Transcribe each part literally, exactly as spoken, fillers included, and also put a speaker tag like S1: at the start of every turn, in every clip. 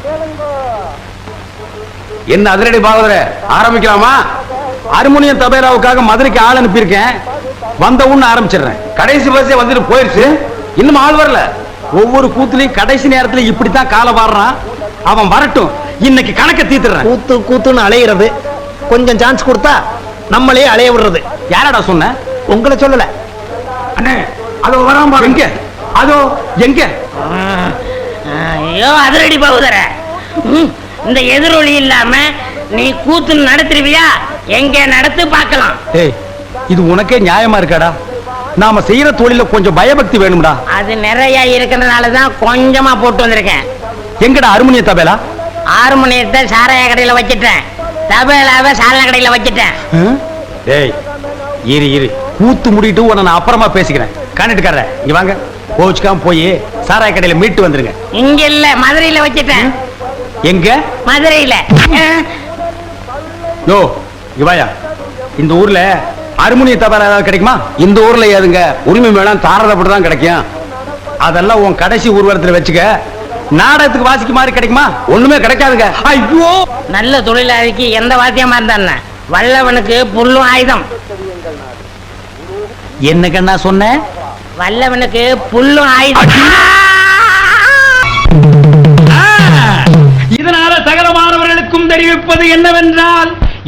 S1: என்ன அதிரடி பாகவதரே, ஆரம்பிக்கலாமா? ஹார்மோனியம் தபேலாவுக்காக மதுரைக்கு ஆள் அனுப்பியிருக்கேன். வந்த உடனே ஆரம்பிச்சிடுறேன். கடைசி பஸ்ஸே வந்துட்டு போயிருச்சு, இன்னும் ஆள் வரல. ஒவ்வொரு கூத்துலையும் கடைசி நேரத்துல இப்படித்தான் காலை வாடுறான். அவன் வரட்டும், இன்னைக்கு கணக்க தீத்துறேன்.
S2: கூத்து கூத்துன்னு அலையிறது, கொஞ்சம் சான்ஸ் கொடுத்தா நம்மளே அலைய விடுறது.
S1: யாரடா சொன்ன?
S2: உங்களை சொல்லல
S1: அண்ணே. அதோ வராம எங்க? அதோ எங்க?
S3: ஐயோ அதிரடி பாகுதர, இந்த எதிரொலி இல்லாம நீ கூத்து நடத்துருவியா? எங்க நடத்து பார்க்கலாம்.
S1: ஏய், இது உனக்கே நியாயமா இருக்காடா? நாம செய்யற தொழில கொஞ்சம் பயபக்தி வேணும்டா.
S3: அது நிறைய இருக்கிறதுனாலதான் கொஞ்சமா போட்டு வந்திருக்கேன்.
S1: எங்கடா ஹார்மோனிய தபேலா?
S3: ஹார்மோனியத்தை சாராய கடையில வச்சிட்டேன், தபேலாவை சாராய கடையில வச்சிட்டேன்.
S1: டேய் இரு இரு, கூத்து முடிட்டு உன்னை நான் அப்புறமா பேசிக்கிறேன். காணிட்டுக்கார இங்க வாங்க. கோச்சுக்காம போய் சாராய கடையில மீட்டு வந்துருங்க.
S3: இங்க இல்ல, மதுரையில வச்சிட்டேன்.
S1: எங்க?
S3: மதுரையில.
S1: யோ இவாயா, இந்த ஊர்ல ஹார்மோனிய தபேலா ஏதாவது கிடைக்குமா? இந்த ஊர்ல ஏதுங்க உரிமை மேளம் தாரதப்பட்டு தான் கிடைக்கும். அதெல்லாம் உன் கடைசி ஊர்வலத்துல வச்சுக்க. நாடகத்துக்கு வாசிக்கு மாதிரி கிடைக்குமா? ஒண்ணுமே கிடைக்காதுங்க. ஐயோ,
S3: நல்ல தொழிலாளிக்கு எந்த வாத்தியமா இருந்தா வல்லவனுக்கு புல்லும் ஆயுதம்.
S1: என்ன கண்ணா சொன்ன?
S3: வல்லவனுக்கு புல்லும் ஆயுதம்.
S1: இதனால சகல மாணவர்களுக்கும் தெரிவிப்பது என்னவென்றால்,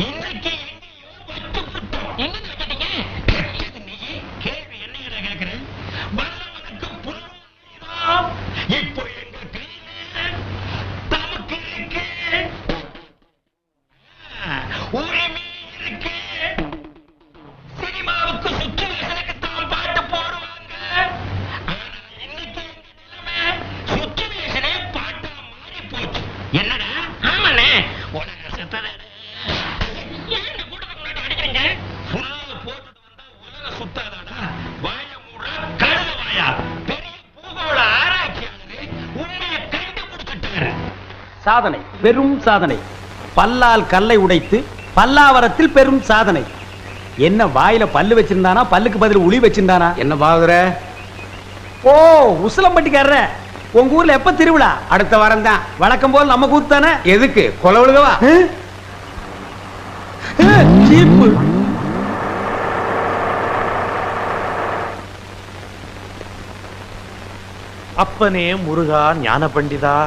S1: சாதனை, பெரும் சாதனை. பல்லால் கல்லை உடைத்து பல்லாவரத்தில் பெரும் சாதனை. என்ன வாயில பல்லு வச்சிருந்தானா, பல்லுக்கு பதில் உளி வச்சிருந்தானா? என்ன பாகுற? ஓ, உசிலம்பட்டிக்காரர, உங்க ஊர்ல எப்ப திருவிழா? அடுத்த வாரம் தான். வழக்கம் போல் நம்ம கூத்து தானே. எதுக்கு கொலை விழுகவா?
S4: அப்பனே முருகா ஞான பண்டிதா.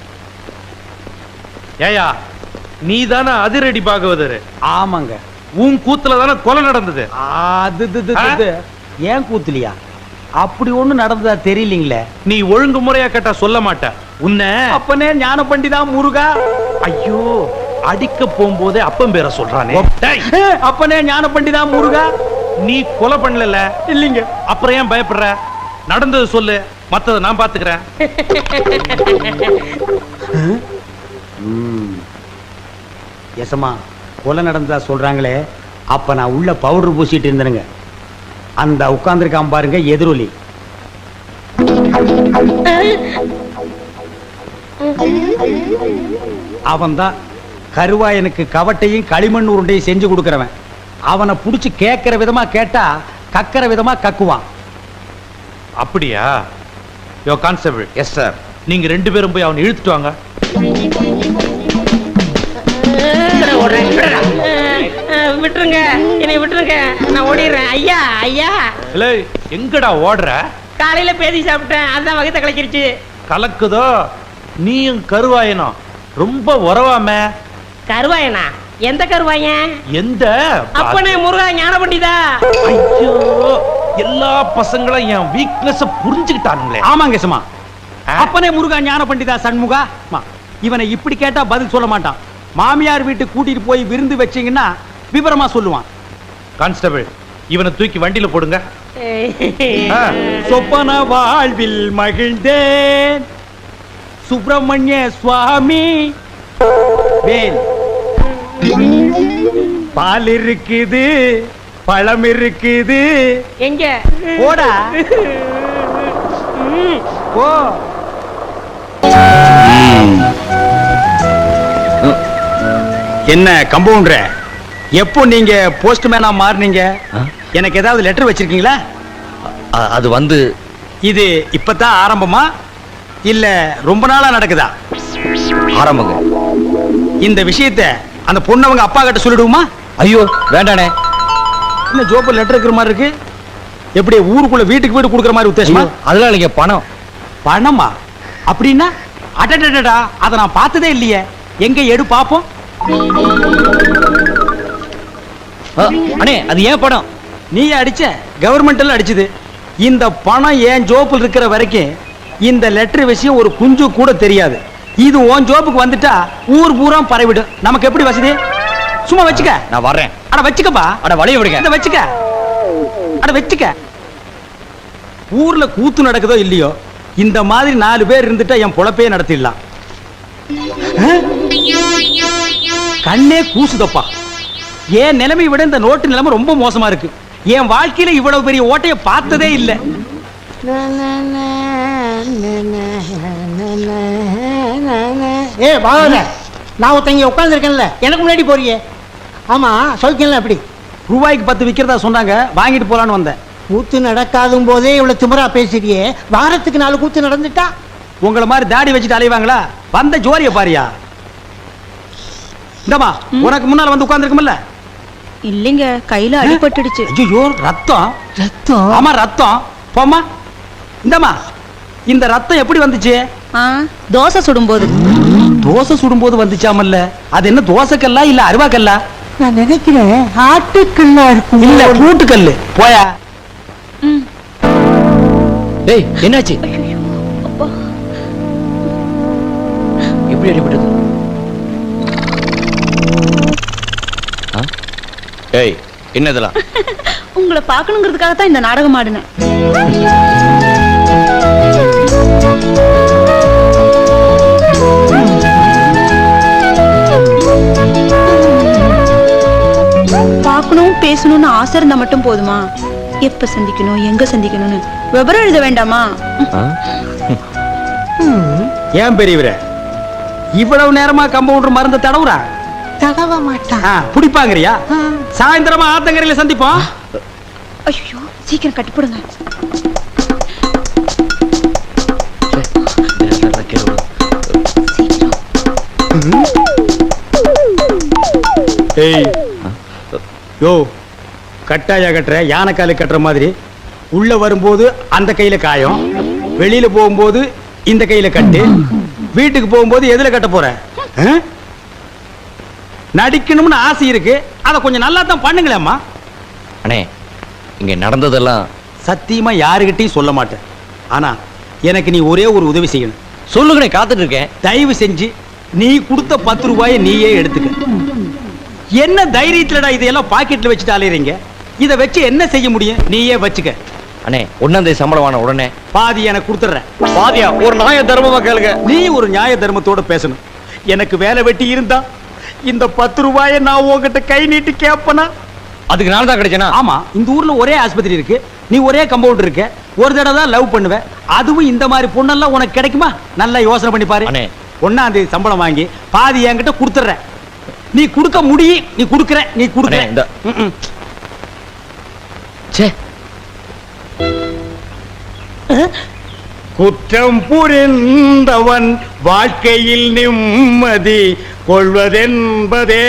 S4: ஏயா, நீ தானே அதிரடி பாகவதர்?
S1: ஆமாங்க.
S4: உன் கூத்துல தானே கொலை நடந்தது.
S1: அது ஏன் கூத்துலியா? அப்படி ஒண்ணு நடந்ததா தெரியலீங்களே.
S4: நீ ஒழுங்கு முறையா கேட்டா சொல்ல மாட்ட. உன்ன
S1: அப்பனே ஞான பண்டிதா முருகா.
S4: ஐயோ, அடிக்க போகும்போதே அப்பன் பேரை சொல்றானே.
S1: அப்பனே ஞான பண்டிதா முருகா.
S4: நீ கொலை பண்ணல
S1: இல்லீங்க,
S4: அப்புறம் ஏன் பயப்படுற? நடந்தது சொல்லு, மத்தத நான் பாத்துக்கிறேன்.
S1: எசமா, கொலை நடந்ததா சொல்றாங்களே, அப்ப நான் உள்ள பவுடர் பூசிட்டு இருந்தேனுங்க. அந்த உட்கார்ந்துருக்கான் பாருங்க எதிரொலி. அவன் தான் கருவாயனுக்கு கவட்டையும் களிமண் உருண்டையும் செஞ்சு கொடுக்கிறவன். அவனை புடிச்சு கேட்கிற விதமா கேட்டா கக்கிற விதமா கக்குவான்.
S4: அப்படியா? Yo constable.
S1: Yes sir.
S4: நீங்க ரெண்டு பேரும் போய் அவனை இழுத்துட்டு வாங்க.
S3: விட்டுருங்க, என்னை விட்டுருங்க, நான் ஓடிடுறேன். ஐயா ஐயா.
S4: இல்ல, எங்கடா ஓடுற?
S3: காலையில பேதி சாப்பிட்டேன், அதான் வகத்தை கலக்கிருச்சு.
S4: கலக்குதோ? நீயும் கருவாயனும் ரொம்ப உறவாம.
S3: கருவாயனா? எந்த கருவாயன்?
S4: எந்த?
S3: அப்பனே முருகா ஞான பண்டிதா.
S4: ஐயோ, எல்லா பசங்களும் என் வீக்னஸ் புரிஞ்சுக்கிட்டானுங்களே.
S1: ஆமாங்க சும்மா. அப்பனே முருகா ஞான பண்டிதா சண்முகா. இவனை இப்படி கேட்டா பதில் சொல்ல மாட்டான். மாமியார் வீட்டுக்கு கூட்டிட்டு போய் விருந்து வச்சீங்கன்னா விவரமா சொல்லுவான்.
S4: கான்ஸ்டபிள், இவனை தூக்கி வண்டியில போடுங்க.
S1: சொப்பன வாழ்வில் மகிழ்ந்தேன் சுப்பிரமணிய சுவாமி. வேல், பால் இருக்குது, பழம் இருக்குது.
S3: எங்க?
S1: போடா போ. என்ன கம்பவுண்டர், எப்போ நீங்க போஸ்ட்மேனா மாறினீங்க? எனக்கு ஏதாவது லெட்டர் வச்சிருக்கீங்களா?
S5: அது வந்து
S1: இது இப்பதான் ஆரம்பமா இல்ல ரொம்ப நாளா நடக்குதா?
S5: ஆரம்பங்க.
S1: இந்த விஷயத்தை அந்த பொண்ணு அவங்க அப்பா கிட்ட சொல்லிடுவோமா?
S5: ஐயோ வேண்டானே.
S1: என்ன ஜோப்பு லெட்டர் இருக்கிற மாதிரி இருக்கு? எப்படி ஊருக்குள்ள வீட்டுக்கு வீடு கொடுக்குற மாதிரி உத்தேசமா?
S5: அதெல்லாம் இல்லைங்க, பணம்.
S1: பணமா? அப்படின்னா அடடடடா, அதை நான் பார்த்ததே இல்லையே. எங்க எடு பாப்போம்.
S5: ஆ, அண்ணே அது ஏன் பணம்?
S1: நீ அடிச்ச, கவர்மெண்ட்ல அடிச்சது. இந்த பணம் ஏன் ஜோப்பில் இருக்கிற வரைக்கும் இந்த லெட்டர் விஷயம் ஒரு குஞ்சு கூட தெரியாது. இது உன் ஜோப்புக்கு வந்துட்டா ஊர் பூரா பரவிடும். நமக்கு எப்படி வசதி? சும்மா வச்சுக்க.
S5: நான் வர்றேன்.
S1: அட வச்சுக்கப்பா.
S5: அட வழிய விடுங்க.
S1: இத வச்சுக்க. அட வச்சுக்க. ஊர்ல கூத்து நடக்குதோ இல்லையோ, இந்த மாதிரி நாலு பேர் இருந்துட்டா என் பொழப்பே நடத்திடலாம். கண்ணே கூசுதப்பா. என் நிலைமை விட இந்த நோட்டு நிலைமை ரொம்ப மோசமா இருக்கு. என் வாழ்க்கையில இவ்வளவு பெரிய ஓட்டைய பார்த்ததே இல்லை.
S2: ஏ பாவல, நான் ஒருத்தங்க உட்காந்துருக்கேன்ல, எனக்கு முன்னாடி போறியே. ஆமா, சொல்லிக்கல. அப்படி
S1: ரூபாய்க்கு பத்து விற்கிறதா சொன்னாங்க, வாங்கிட்டு போலான்னு வந்தேன்.
S2: கூத்து நடக்காதும் போதே இவ்வளவு திமிரா பேசுறியே, வாரத்துக்கு நாலு கூத்து நடந்துட்டா
S1: உங்களை மாதிரி தாடி வச்சுட்டு அலைவாங்களா? வந்த ஜோரிய பாரியா. இந்தமா உனக்கு முன்னால வந்து உட்கார்ந்துருக்கும்ல.
S6: இல்லைங்க, கையில அடிபட்டுடுச்சு.
S1: ஐயோ, ரத்தம்.
S2: ரத்தம்?
S1: ஆமா ரத்தம். போமா. இந்தமா இந்த ரத்தம் எப்படி வந்துச்சு?
S6: ஆ, தோசை சுடும்போது.
S1: தோசை சுடும்போது வந்துச்சாமல்ல. அது என்ன தோசைக்கல்லா இல்ல அருவாக்கல்லா?
S2: நான் நினைக்கிறேன் ஆட்டுக்கல்லா இருக்கும்.
S1: இல்ல கூட்டுக்கல்லு. போயா.
S6: ம்.
S5: டேய் என்னாச்சு?
S6: அப்பா,
S5: எப்படி அடிபட்டது? ஏய் என்னதெல்லாம்?
S6: உங்களை பார்க்கணுங்கிறதுக்காக தான் இந்த நாடகம் ஆடினேன். பார்க்கணும் பேசணும்னு ஆசை இருந்தா மட்டும் போதுமா? எப்ப சந்திக்கணும், எங்க சந்திக்கணும்னு விவரம் எழுத வேண்டாமா?
S1: ஏன் பெரியவரே இவ்வளவு நேரமா கம்பவுண்டர் மருந்து தடவுறா?
S2: தடவ மாட்டான்.
S1: புடிப்பாங்கறியா? சாயந்தரமா ஆத்தங்கரையில சந்திப்போம்.
S6: ஐயோ, சீக்கிரம் கட்டிப்படுங்க.
S1: ஏய் யோ, கட்டாயா கட்டுற, யானைக்காலு கட்டுற மாதிரி. உள்ள வரும்போது அந்த கையில காயம், வெளியில போகும்போது இந்த கையில கட்டு, வீட்டுக்கு போகும்போது எதுல கட்ட போற? நடிக்கணும்னு ஆசை இருக்கு, அதை கொஞ்சம் நல்லா தான் பண்ணுங்களேம்மா.
S5: அண்ணே இங்க நடந்ததெல்லாம்
S1: சத்தியமா யாருகிட்டையும் சொல்ல மாட்டேன். ஆனா எனக்கு நீ ஒரே ஒரு உதவி செய்யணும்.
S5: சொல்லுங்கண்ணே, காத்துட்டு இருக்கேன்.
S1: தயவு செஞ்சு நீ கொடுத்த பத்து ரூபாயை நீயே எடுத்துக்க. என்ன தைரியத்துலடா இதையெல்லாம் பாக்கெட்ல வச்சுட்டு அலையறீங்க? இதை வச்சு என்ன செய்ய முடியும்? நீயே வச்சுக்க.
S5: அண்ணே ஒன்னாம் தேதி சம்பளம் வாங்க உடனே
S1: பாதி எனக்கு கொடுத்துறேன்.
S5: பாதியா? ஒரு நியாய தர்மமா கேளுங்க.
S1: நீ ஒரு நியாய தர்மத்தோட பேசணும். எனக்கு வேலை வெட்டி இருந்தா இந்த பத்து ரூபாயை நான் உங்ககிட்ட கை நீட்டி கேப்பனா?
S5: அதுக்கு நான் தான் கிடைச்சேனா?
S1: ஆமா, இந்த ஊர்ல ஒரே ஆஸ்பத்திரி இருக்கு, நீ ஒரே கம்பவுண்டர் இருக்க, ஒரு தடவை தான் லவ் பண்ணுவ. அதுவும் இந்த மாதிரி பொண்ணெல்லாம் உனக்கு கிடைக்குமா? நல்லா யோசனை பண்ணி பாரு.
S5: அண்ணே
S1: ஒன்னாம் தேதி சம்பளம் வாங்கி பாதி என்கிட்ட கொடுத்துற. நீ கொடுக்க முடியும், நீ கொடுக்கற, நீ கொடுக்கற.
S5: இந்த சே
S1: குற்றம் புரிந்தவன் வாழ்க்கையில் நிம்மதி கொள்வதென்பதே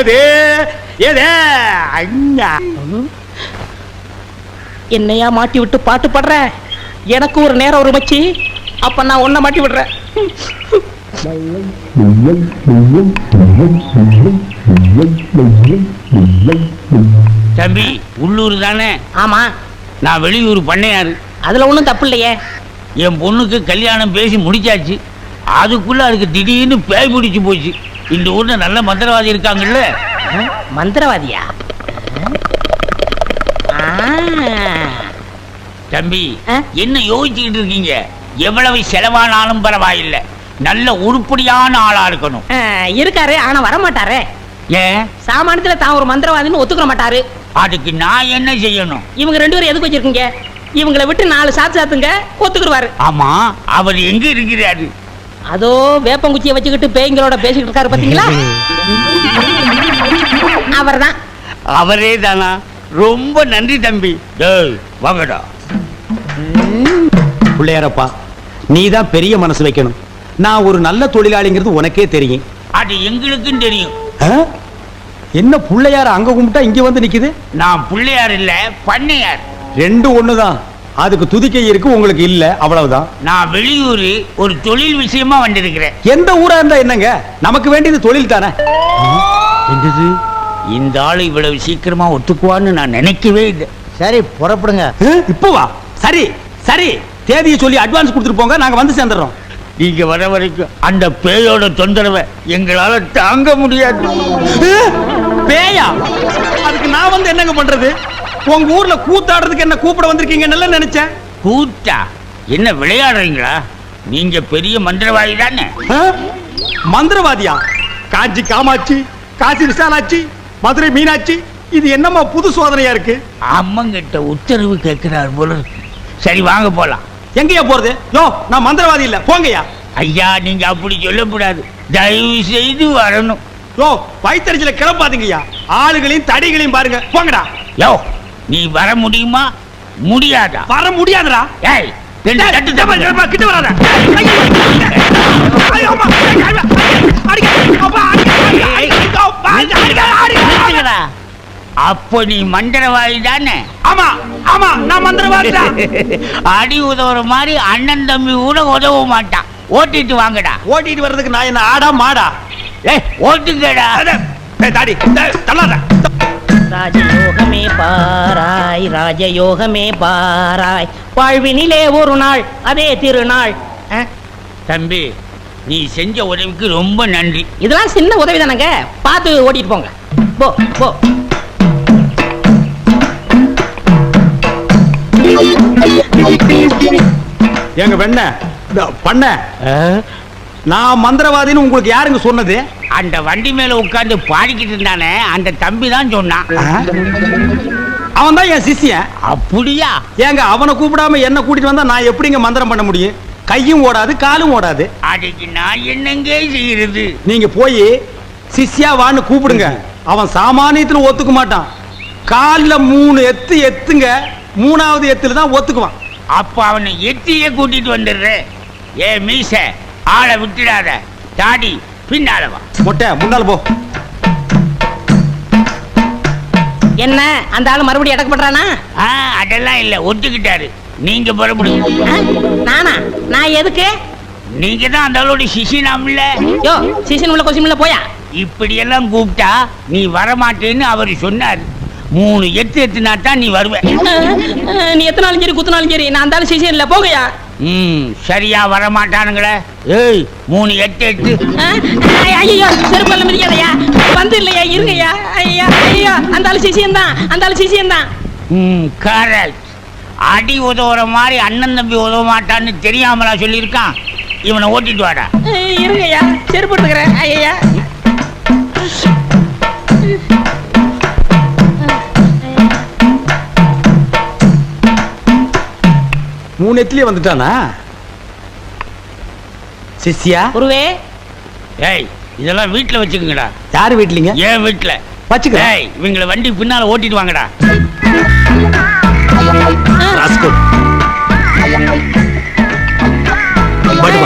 S3: என்னையா மாட்டி விட்டு பாட்டு பாடுற? எனக்கு ஒரு நேரம் ஒரு மச்சி, அப்ப நான் உன்னை மாட்டி விடுறேன்.
S7: தம்பி உள்ளூர் தானே?
S3: ஆமா,
S7: நான் வெளியூர் பண்ணையாரு.
S3: அதுல ஒண்ணும் தப்பு இல்லையே.
S7: என் பொண்ணுக்கு கல்யாணம் பேசி முடிச்சாச்சு. அதுக்குள்ள அதுக்கு திடீர்னு பேய் பிடிச்சு போச்சு. இந்த ஊர்ல நல்ல மந்திரவாதி இருக்காங்கல்ல.
S3: மந்திரவாதியா?
S7: தம்பி என்ன யோசிச்சுக்கிட்டு இருக்கீங்க? எவ்வளவு செலவானாலும் பரவாயில்லை, நல்ல உருப்படியான ஆளா இருக்கணும்.
S3: இருக்காரு, ஆனா வர மாட்டாரே.
S7: ஏன்?
S3: சாமானியத்துல தான் ஒரு மந்திரவாதின்னு ஒத்துக்க மாட்டாரு.
S7: அதுக்கு நான் என்ன செய்யணும்?
S3: இவங்க ரெண்டு பேரும் எதுக்கு வச்சிருக்கீங்க? இவங்களை விட்டு நாலு சாத்து சாத்துங்க, ஒத்துக்குருவாரு.
S7: ஆமா, அவர் எங்க இருக்கிறாரு?
S3: அதோ வேப்பங்குச்சியை வச்சுக்கிட்டு பேய்களோட பேசிக்கிட்டு இருக்காரு, பாத்தீங்களா? அவர்தான்.
S7: அவரே தானா? ரொம்ப நன்றி தம்பி. வாங்கடா.
S1: பிள்ளையாரப்பா, நீ தான் பெரிய மனசு வைக்கணும். நான் ஒரு நல்ல தொழிலாளிங்கிறது உனக்கே தெரியும்.
S7: அது எங்களுக்கும் தெரியும்.
S1: ஆ? என்ன புள்ளையார அங்க கும்பிட்டா இங்க வந்து நிக்குது?
S7: நான் பிள்ளையார் இல்ல, பண்ணையார்.
S1: ரெண்டு ஒண்ணுதான். அதுக்கு துதிக்கை இருக்கு, உங்களுக்கு இல்ல, அவ்வளவுதான்.
S7: நான் வெளியூர் ஒரு தொழில் விஷயமா வந்திருக்கிறேன்.
S1: எந்த ஊரா இருந்தா என்னங்க, நமக்கு வேண்டியது தொழில் தானே.
S7: என்னது, இந்த ஆளு இவ்வளவு சீக்கிரமா ஒத்துக்குவான்னு நான் நினைக்கவே இல்லை.
S2: சரி புறப்படுங்க.
S1: இப்போ வா. சரி சரி, தேதியை சொல்லி அட்வான்ஸ் கொடுத்துட்டு போங்க, நாங்க வந்து சேர்ந்துடுறோம்.
S7: நீங்க வர வரைக்கும் அந்த பேயோட தொந்தரவை எங்களால தாங்க முடியாது.
S1: பேயா? அதுக்கு நான் வந்து என்னங்க பண்றது? உங்க ஊர்ல கூத்தாடுறதுக்கு என்ன கூப்பிட வந்திருக்கீங்கன்னு நினைச்சேன்.
S7: கூத்தா? என்ன விளையாடுறீங்களா? நீங்க பெரிய மந்திரவாதி தானே?
S1: ஆ? மந்திரவாதியா? காஞ்சி காமாட்சி, காசி விசாலாட்சி, மதுரை மீனாட்சி, இது என்னமா புது சோதனையா இருக்கு?
S7: அம்மங்கிட்ட உத்தரவு கேட்கிறார் போல இருக்கு. சரி வாங்க போலாம்.
S1: எங்கயா போறது? யோ, நான் மந்திரவாதி இல்ல, போங்கயா.
S7: ஐயா நீங்க அப்படி சொல்லக்கூடாது, தயவு செய்து வரணும்.
S1: யோ, வயித்தறிச்சல கிளப்பாதீங்கய்யா. ஆளுகளையும் தடிகளையும் பாருங்க, போங்கடா.
S7: யோ, நீ வர முடியுமா முடியாதா?
S1: வர முடியாதுடா.
S7: ஏய், ரெண்டு
S1: ஏய்,
S7: தட்டு
S1: ஏம்மா,
S7: தப்பு.
S1: ஏம்மா, கிட்ட வராத. ஐயோ, ஐயோ, அம்மா, ஐயோ, ஐயோ, அடிக்க, அப்பா, அடிக்க, அடிக்க, அடிக்க, அப்பா, அடிக்க, அடிக்க, அடிக்க.
S7: நிறுத்துங்கடா. அப்போ நீ மந்திரவாதி தானே?
S1: ஆமா ஆமா, நான் மந்திரவாதிடா.
S7: அடி உதவுற மாதிரி அண்ணன் தம்பி கூட உதவ மாட்டான். ஓட்டிட்டு வாங்கடா.
S1: ஓட்டிட்டு வர்றதுக்கு நான் என்ன ஆடா மாடா?
S7: ஏய், ஓட்டுங்கடா.
S1: அட, ஏய், தாடி, டேய், தள்ளாத.
S3: ராஜயோகமே பாராய், ராஜயோகமே பாராய், வாழ்வினிலே ஒரு நாள் அதே திருநாள். அஹ்,
S7: தம்பி, நீ செஞ்ச உதவிக்கு ரொம்ப நன்றி.
S3: இதெல்லாம் சின்ன உதவி தானங்க, பார்த்து ஓட்டிட்டு போங்க. போ போ.
S1: எங்க வெண்ண பண்ண, நான் மந்திரவாதின்னு உங்களுக்கு யாருங்க சொன்னது?
S7: அந்த வண்டி மேல உட்கார்ந்து பாடிக்கிட்டு இருந்தானே அந்த தம்பி தான் சொன்னான்.
S1: அவன் தான் என் சிஷ்யன்.
S7: அப்படியா?
S1: ஏங்க, அவனை கூப்பிடாம என்ன கூட்டிட்டு வந்தா நான் எப்படிங்க மந்திரம் பண்ண முடியும்? கையும் ஓடாது, காலும் ஓடாது.
S7: அதுக்கு நான் என்னங்க செய்யறது?
S1: நீங்க போய் சிஷ்யா வான்னு கூப்பிடுங்க. அவன் சாமானியத்துல ஒத்துக்க மாட்டான். கால்ல மூணு எத்து எத்துங்க, மூணாவது எத்துல தான் ஒத்துக்குவான்.
S7: அப்ப அவனை எத்தியே கூட்டிட்டு வந்துடுறேன். ஏ மீச, ஆளை விட்டுடாத. தாடி பின்னால வா.
S1: மொட்டை முன்னால போ.
S3: என்ன அந்த ஆளு மறுபடியும் அடக்க பண்றானா?
S7: ஆ, அதெல்லாம் இல்ல, ஒத்துக்கிட்டாரு. நீங்க புறப்படுங்க.
S3: அஹ், நானா? நான் எதுக்கு?
S7: நீங்க தான் அந்த ஆளோட சிசினாம்ல.
S3: யோ, சீசன் உள்ள கொஸ்டின் உள்ள போயா.
S7: இப்படி எல்லாம் கூப்பிட்டா நீ வரமாட்டேன்னு அவர் சொன்னார். மூணு எத்து எத்துனா தான் நீ வருவ.
S3: அஹ், அஹ், நீ எத்தனாலும் சரி குத்தினாலும் சரி, நான் அந்த ஆளு சீசன் இல்ல, போகையா.
S7: ம், சரியா வரமாட்டானுங்களே. ஏய், மூணு எட்டு எட்டு.
S3: ஐயோ, செருப்பல்ல மிதிக்காதயா, வந்து இல்லையா, இருங்கய்யா. ஐயா ஐயோ, அந்த ஆளு சிசியம் தான், அந்த ஆளு சிசியம் தான்.
S7: ம், கரெக்ட். அடி உதவுற மாதிரி அண்ணன் தம்பி உதவ மாட்டான்னு தெரியாமலா சொல்லியிருக்கான். இவனை ஓட்டிட்டு வாடா.
S3: அஹ், இருங்கய்யா, செருப்பு எடுத்துக்கிறேன். ஐயா
S1: மூணு எத்துலயே வந்துட்டானா சிஷ்யா?
S3: குருவே.
S7: ஏய், இதெல்லாம் வீட்டுல வச்சுக்கோங்கடா.
S1: யாரு வீட்லீங்க?
S7: ஏன் வீட்டுல
S1: வச்சுக்க.
S7: ஏய், இவங்களை வண்டி பின்னால ஓட்டிட்டு வாங்கடா.
S1: ராஸ்கல். படுவா.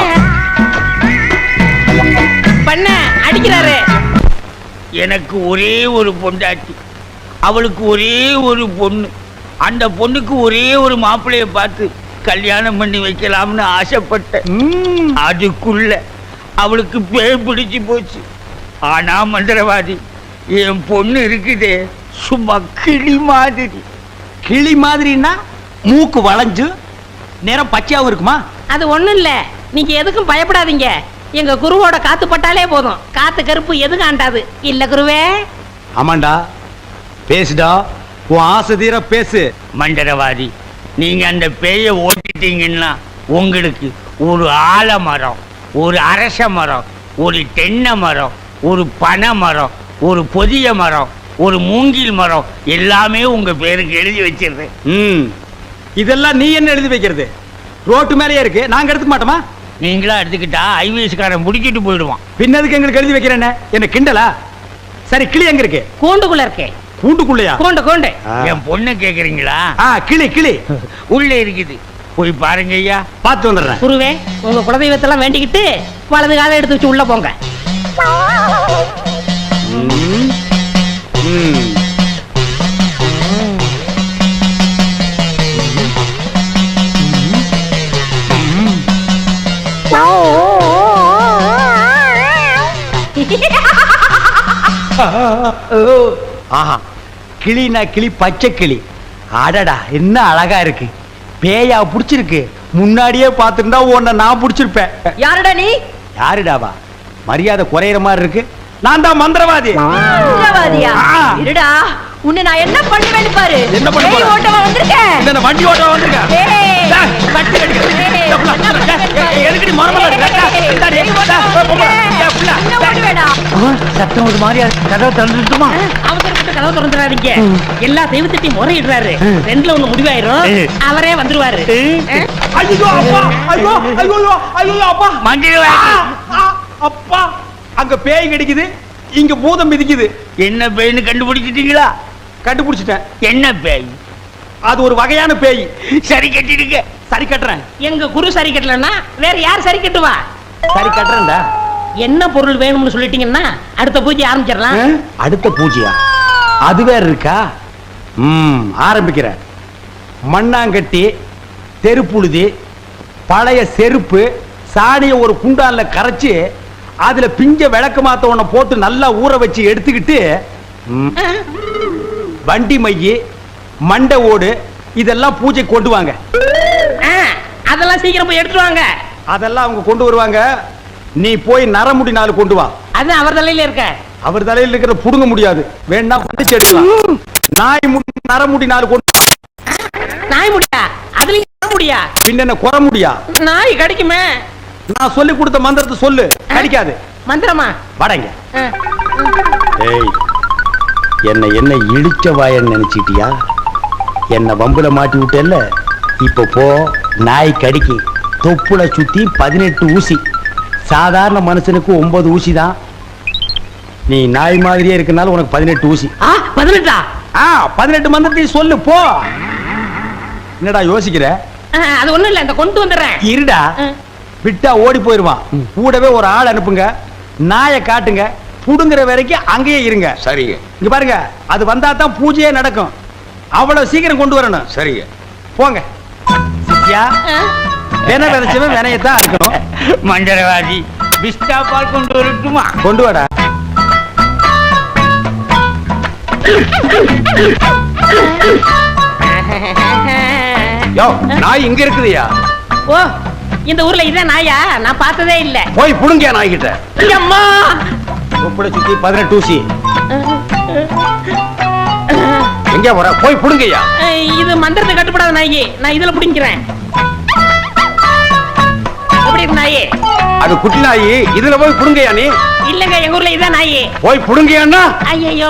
S3: பண்ண அடிக்கிறாரு.
S7: எனக்கு ஒரே ஒரு பொண்டாட்டி, அவளுக்கு ஒரே ஒரு பொண்ணு. அந்த பொண்ணுக்கு ஒரே ஒரு மாப்பிள்ளைய பார்த்து கல்யாணம் பண்ணி வைக்கலாம்னு ஆசைப்பட்டேன். அதுக்குள்ள அவளுக்கு பேய் பிடிச்சு போச்சு. ஆனா மந்திரவாதி, என் பொண்ணு இருக்குதே சும்மா கிளி மாதிரி.
S1: கிளி மாதிரின்னா மூக்கு வளைஞ்சு நேரம் பச்சையாவும் இருக்குமா?
S3: அது ஒண்ணும் இல்ல, நீங்க எதுக்கும் பயப்படாதீங்க. எங்க குருவோட காத்து பட்டாலே போதும், காத்து கருப்பு எதுக்கு ஆண்டாது இல்ல குருவே.
S1: ஆமாண்டா, பேசுடா, உன் ஆசை தீர பேசு.
S7: மந்திரவாதி, நீங்க அந்த பேயை ஓட்டிட்டீங்கன்னா உங்களுக்கு ஒரு ஆலமரம், ஒரு அரச மரம், ஒரு தென்னை மரம், ஒரு பனை மரம், ஒரு பொதிய மரம், ஒரு மூங்கில் மரம் எல்லாமே உங்க பேருக்கு எழுதி வச்சிருந்தேன்.
S1: ம், இதெல்லாம் நீ என்ன எழுதி வைக்கிறது? ரோட்டு மேலேயே இருக்கு, நாங்க எடுத்துக்க மாட்டோமா?
S7: நீங்களா எடுத்துக்கிட்டா ஐவிஎஸ்காரன் முடிக்கிட்டு போயிடுவான்.
S1: பின்னதுக்கு எங்களுக்கு எழுதி வைக்கிறேன்னு என்ன கிண்டலா? சரி, கிளி எங்க இருக்கு?
S3: கூண்டுக்குள்ள இருக்கே.
S1: கூண்டுக்குள்ளையா?
S3: கூண்டு கூண்டு.
S7: என் பொண்ணு கேக்குறீங்களா?
S1: ஆ, கிளி கிளி
S7: உள்ள இருக்குது, போய் பாருங்க ஐயா.
S1: பார்த்து வந்துடுறேன்.
S3: குருவே, உங்க குலதெய்வத்தெல்லாம் வேண்டிக்கிட்டு வலது காலை எடுத்து வச்சு உள்ள போங்க.
S1: ம். ம். ஆஹா, கிளினா கிளி, பச்சை கிளி. அடடா, என்ன அழகா இருக்கு. பேயா புடிச்சிருக்கு. முன்னாடியே பார்த்திருந்தா உன்னை நான் புடிச்சிருப்பேன்.
S6: யாருடா நீ?
S1: யாருடாவா? மரியாதை குறையிற மாதிரி இருக்கு. நான் தான் மந்திரவாதி.
S6: மந்திரவாதியா?
S1: ஆ.
S6: இருடா, உன்னை நான் என்ன பண்ணுவேன்னு பாரு.
S1: என்ன பண்ண போற?
S6: பேய் ஓட்டமா வந்திருக்கேன்.
S1: இந்த வண்டி ஓட்ட வந்திருக்கேன்.
S6: ஏய்.
S1: டேய், கட்டி கட்டி.
S6: ஏய்,
S1: இந்த புள்ள,
S6: என்ன பண்ணுவேன்னு
S1: ஏய்,
S6: பாரு.
S1: எதுக்குடி மரமல இருக்க?
S6: ஏய்,
S1: இந்தாடி,
S6: பேய்
S1: இந்தா,
S6: ஓட்டமா
S1: போ, போ, போ.
S6: வந்திருக்கேன்.
S1: ஏய், புள்ள.
S6: என்ன ஓடுவேடா?
S1: சத்தம் ஒரு மாதிரியா இருக்கு. கதவை திறந்துட்டுமா?
S3: அவசரப்பட்டு கதவு திறந்துறாதீங்க. எல்லா தெய்வத்திட்டையும் முறையிடுறாரு. ரெண்டுல ஒண்ணு முடிவாயிரும். அவரே வந்துருவாரு.
S1: ஐயோ அப்பா, ஐயோ ஐயோ ஐயோ அப்பா.
S7: மஞ்சள்
S1: ஆ, ஆ, அப்பா, அங்க பேய் கிடைக்குது, இங்க பூதம் மிதிக்குது.
S7: என்ன பேய்னு கண்டுபிடிச்சிட்டீங்களா?
S1: கண்டுபிடிச்சிட்டேன்.
S7: என்ன பேய்?
S1: அது ஒரு வகையான பேய்.
S7: சரி கட்டிடுங்க.
S1: சரி கட்டுறேன்.
S3: எங்க குரு சரி கட்டலன்னா வேற யார் சரி கட்டுவா?
S1: சரி கட்டுறேன்டா.
S3: என்ன பொருள் வேணும்னு சொல்லிட்டீங்கன்னா அடுத்த பூஜை ஆரம்பிச்சிடலாம்.
S1: ஆ? அடுத்த பூஜையா? அது வேற இருக்கா? ம், ஆரம்பிக்கிறேன். மண்ணாங்கட்டி, தெருப்புழுதி, பழைய செருப்பு, சாணிய ஒரு குண்டான்ல கரைச்சு அதுல பிஞ்ச விளக்கு மாத்த ஒண்ண போட்டு நல்லா ஊற வச்சு எடுத்துக்கிட்டு, ம், வண்டி மைய, மண்டை ஓடு இதெல்லாம் பூஜை கொண்டு வாங்க.
S3: ஆ, அதெல்லாம் சீக்கிரம் போய் எடுத்துட்டு வாங்க.
S1: அதெல்லாம் அவங்க கொண்டு வருவாங்க. நீ போய் நரமுடி நாலு கொண்டு வா.
S3: அது அவர் தலையில இருக்க.
S1: அவர் தலையில் இருக்கிற புடுங்க முடியாது. வேணா வந்து எடுக்கலாம். நாய் முடி நரமுடி நாலு கொண்டு வா.
S3: நாய் முடியா? அதுலயும் நாய் முடியா?
S1: பின்ன என்ன குற முடியா?
S3: நாய் கடிக்குமே.
S1: நான் சொல்லி கொடுத்த மந்திரத்தை சொல்லு. கடிக்காது.
S3: மந்திரமா?
S1: வடங்க.
S3: ஆ.
S1: ஏய், என்ன என்ன இழிச்ச வாயன்னு நினைச்சிட்டியா? என்ன வம்புல மாட்டி விட்டேல்ல, இப்ப போ. நாய் கடிக்கு தொப்புல சுத்தி பதினெட்டு ஊசி. சாதாரண மனுஷனுக்கு ஒன்பது ஊசி தான். நீ நாய் மாதிரியே இருக்கனால உனக்கு பதினெட்டு ஊசி.
S3: ஆ, பதினெட்டா?
S1: ஆ, பதினெட்டு மந்திரத்தையும் சொல்லு போ. என்னடா யோசிக்கிற?
S3: ஆ, அது ஒண்ணும் இல்ல, இந்த கொண்டு வந்துடுறேன்.
S1: இருடா,
S3: ஆ.
S1: விட்டா ஓடி போயிருவான். கூடவே ஒரு ஆள் அனுப்புங்க. நாயை காட்டுங்க. புடுங்குற வரைக்கும் அங்கேயே இருங்க.
S8: சரிங்க
S1: இங்க பாருங்க, அது வந்தா தான் பூஜையே நடக்கும். அவ்வளவு சீக்கிரம் கொண்டு வரணும்.
S8: சரிங்க.
S1: போங்க. சித்தியா,
S3: ஆ.
S1: வென விதைச்சவன் வினையத்தான் இருக்கணும்.
S7: மந்திரவாதி பிஸ்டா பால் கொண்டு வரட்டுமா?
S1: கொண்டு வாடா.
S8: யோ, நாய் இங்க இருக்குதுயா.
S3: ஓ, இந்த ஊர்ல இதான் நாயா? நான் பார்த்ததே இல்ல.
S8: போய் புடுங்க நாய் கிட்ட.
S3: அம்மா.
S1: தொப்புளை சுத்தி பதினெட்டு ஊசி.
S8: எங்க வர? போய் புடுங்கய்யா.
S3: இது மந்திரத்தை கட்டுப்படாத நாயி. நான் இதுல பிடிக்கிறேன். எப்படி இருக்கு நாயி?
S8: அது குட்டி நாய். இதுல போய் புடுங்கய்யா நீ.
S3: இல்லங்க, எங்க ஊர்ல இதான் நாயி.
S8: போய் புடுங்கய்யான்னா.
S3: ஐயோ.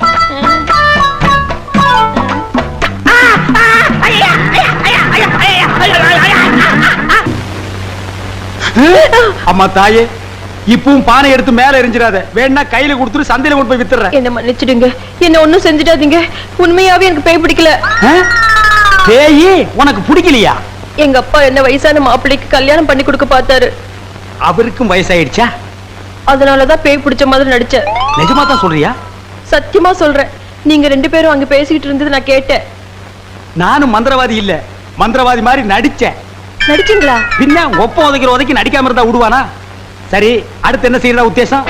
S1: அம்மா தாயே, இப்பவும் பானை எடுத்து மேல எரிஞ்சிடாத. வேணா கையில கொடுத்துட்டு சந்தையில கொண்டு போய் வித்துறேன்.
S6: என்ன மன்னிச்சிடுங்க, என்ன ஒண்ணும் செஞ்சிடாதீங்க. உண்மையாவே எனக்கு பேய் பிடிக்கல.
S1: பேயி உனக்கு பிடிக்கலையா?
S6: எங்க அப்பா என்ன வயசான மாப்பிள்ளைக்கு கல்யாணம் பண்ணி கொடுக்க பார்த்தாரு.
S1: அவருக்கும் வயசாயிடுச்சா?
S6: அதனாலதான் பேய் பிடிச்ச மாதிரி நடிச்சேன்.
S1: நிஜமா தான் சொல்றியா?
S6: சத்தியமா சொல்றேன். நீங்க ரெண்டு பேரும் அங்க பேசிக்கிட்டு இருந்தது நான் கேட்டேன்.
S1: நானும் மந்திரவாதி இல்ல, மந்திரவாதி மாதிரி நடிச்சேன்.
S6: நடிச்சீங்களா?
S1: பின்ன ஒப்ப உதைக்கிற உதைக்கு நடிக்காம இருந்தா விடுவானா? சரி, அடுத்து என்ன செய்யறதா உத்தேசம்?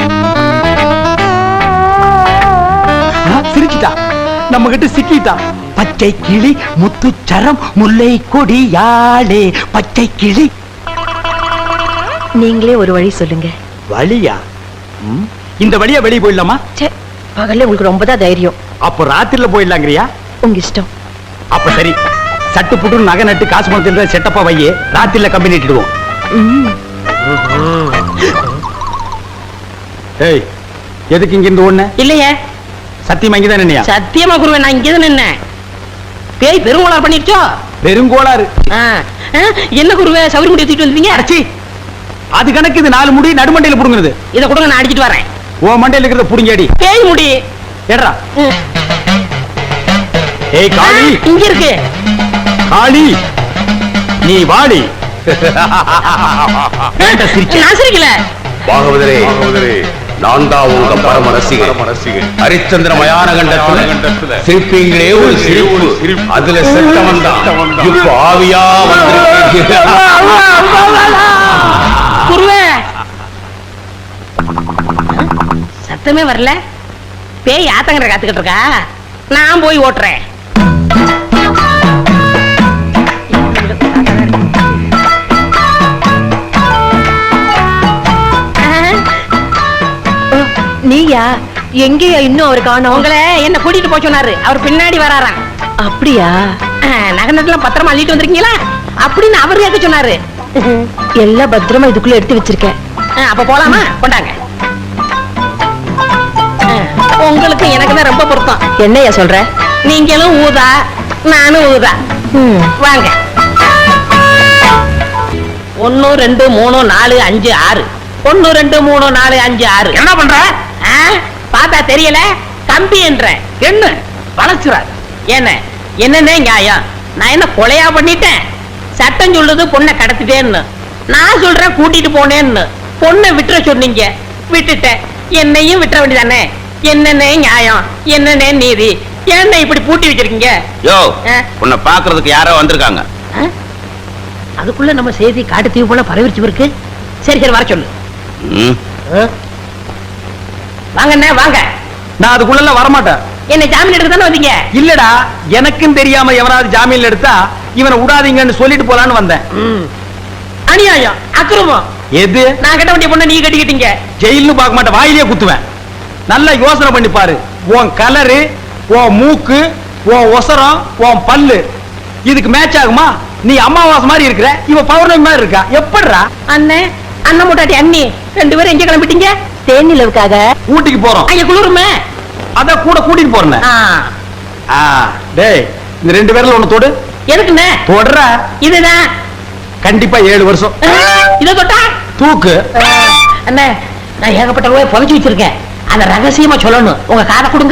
S1: சிரிச்சிட்டா, நம்ம கிட்ட சிக்கிட்டா. பச்சை கிளி முத்துச்சரம் முல்லை கொடியாளே பச்சை கிளி.
S6: நீங்களே ஒரு வழி சொல்லுங்க.
S1: வழியா? ம், இந்த வழியா வெளியே போயிடலாமா?
S6: ச்சே, பகல்ல உங்களுக்கு ரொம்ப தான் தைரியம்.
S1: அப்போ ராத்திரில போயிடலாங்கிறியா?
S6: உங்க இஷ்டம்.
S1: அப்ப சரி, சட்டு புட்டு நகை நட்டு காசு பணத்தில் செட்டப்பா வையே, ராத்திரில கம்பெனி இட்டுடுவோம். ஏய், எதுக்கு இங்க இருந்து ஒண்ணு?
S3: இல்லையே.
S1: சத்தியமா இங்கதான் நின்னையா?
S3: சத்தியமா குருவே, நான் இங்கதான் நின்னேன். பேய் பெருங்கோளார் பண்ணிருச்சோ?
S1: பெருங்கோளாறு.
S3: ஆ, ஆ, என்ன குருவே சவுரி முடி எடுத்துட்டு வந்தீங்க?
S1: அடச்சி, அது கணக்கு. இது நாலு முடி நடுமண்டையில புடுங்குறது.
S3: இதை கொடுங்க, நான் அடிச்சிட்டு வரேன்.
S1: ஓ மண்டையில இருக்கிறத புடுங்கடி.
S3: பேய் முடி
S1: ஏடா.
S3: ம்.
S1: ஏய்
S3: ஆ,
S1: காளி,
S3: இங்க இருக்கு.
S1: காளி நீ வாடி.
S3: நான் சிரிக்கல.
S8: பாகவதரே நான் தான் உங்க பரம ரசிகன் ஹரிச்சந்திர மயான கண்டத்துல சிரிப்பீங்களே ஒரு சிரிப்பு, அதுல செத்தவன் தான் இப்ப ஆவியா வந்து
S3: குருவே சத்தமே வரல. பேய் ஆத்தங்கரை காத்துக்கிட்டு இருக்கா, நான் போய் ஓட்டுறேன்.
S6: நீயா? எங்கேயா இன்னும் அவர் காணோம்?
S3: உங்களை என்ன கூட்டிட்டு போய் சொன்னாரு, அவர் பின்னாடி வராராம்.
S6: அப்படியா?
S3: நகை நட்டுலாம் பத்திரமா அள்ளிட்டு வந்திருக்கீங்களா அப்படின்னு அவர் கேட்க சொன்னாரு.
S6: எல்லாம் பத்திரமா இதுக்குள்ள எடுத்து வச்சிருக்கேன்.
S3: ஆ, அப்ப போலாமா? கொண்டாங்க. ஆ, உங்களுக்கு எனக்கு தான் ரொம்ப பொருத்தம்.
S6: என்னையா சொல்ற?
S3: நீங்களும் ஊதா, நானும் ஊதா.
S6: ம்.
S3: வாங்க. ஒன்னு ரெண்டு மூணு நாலு அஞ்சு ஆறு. ஒன்னு ரெண்டு மூணு நாலு அஞ்சு ஆறு.
S7: என்ன பண்ற?
S3: ஆ, பார்த்தா தெரியல, கம்பி என்ற
S7: என்ன வளர்ச்சுறாரு?
S3: என்ன என்னன்னே நியாயம்? நான் என்ன கொலையா பண்ணிட்டேன்? சட்டம் சொல்லுது பொண்ணை கடத்திட்டேன்னு, நான் சொல்றேன் கூட்டிட்டு போனேன்னு. பொண்ணை விட்டுற சொன்னீங்க, விட்டுட்டேன். என்னையும் விட்டுற வேண்டியதானே? என்னன்னே நியாயம், என்னன்னே நீதி? என்ன இப்படி பூட்டி வச்சிருக்கீங்க?
S8: யோ
S3: ஆ?
S8: உன்னை பாக்குறதுக்கு யாரோ வந்திருக்காங்க.
S3: ஆ? அதுக்குள்ள நம்ம செய்தி காட்டு தீவு போல பரவிச்சு இருக்கு. சரி சரி, வர சொல்லு.
S8: ம்.
S3: வாங்க அண்ணே, வாங்க.
S1: நான் அதுக்குள்ள வரமாட்டேன்.
S3: என்ன ஜாமீன் எடுக்க தானே வந்தீங்க?
S1: இல்லடா, எனக்கும் தெரியாம எவனாவது ஜாமீன்ல எடுத்தா இவனை விடாதீங்கன்னு சொல்லிட்டு போலான்னு வந்தேன்.
S3: ம். அநியாயம், அக்கிரமம்.
S1: எது?
S3: நான் கட்ட வேண்டிய பொண்ணை நீ கட்டிக்கிட்டீங்க.
S1: ஜெயில்னு பார்க்க மாட்டேன், வாயிலே குத்துவேன். நல்லா யோசனை பண்ணி பாரு. உன் கலரு, உன் மூக்கு, உன் ஒசரம், உன் பல்லு இதுக்கு மேட்ச் ஆகுமா? நீ அமாவாசை மாதிரி இருக்கிற, இவ பௌர்ணமி மாதிரி இருக்கா. எப்படிடா?
S3: அண்ணே, அண்ணன் மூட்டாட்டி அண்ணி ரெண்டு பேரும் எங்க கிளம்பிட்டீங்க?
S6: தேனிலவுக்காக
S1: ஊட்டிக்கு போறோம்.
S3: அங்க குளிருமே.
S1: அத கூட கூட்டிட்டு போறேன்.
S3: ஆ.
S1: ஆ, டேய், இந்த ரெண்டு பேர்ல ஒண்ணு தொடு.
S3: எதுக்குண்ணே?
S1: தொடற.
S3: இதுதான்.
S1: கண்டிப்பா ஏழு வருஷம்
S3: இத தொட்டா
S1: தூக்கு.
S3: அண்ணே, நான் ஏகப்பட்ட ரூபாய் புதைச்சு வச்சிருக்கேன். அத ரகசியமா சொல்லணும். உங்க காதை கொடுங்க.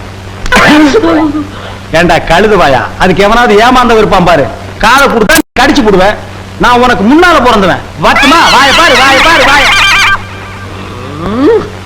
S1: ஏண்டா கழுது வாயா, அதுக்கு எவனாவது ஏமாந்த இருப்பான் பாரு. காதை கொடுத்தா கடிச்சு போடுவேன். நான் உனக்கு முன்னால பிறந்தவன். வட்டுமா? வாய பாரு, வாய பாரு, வாய.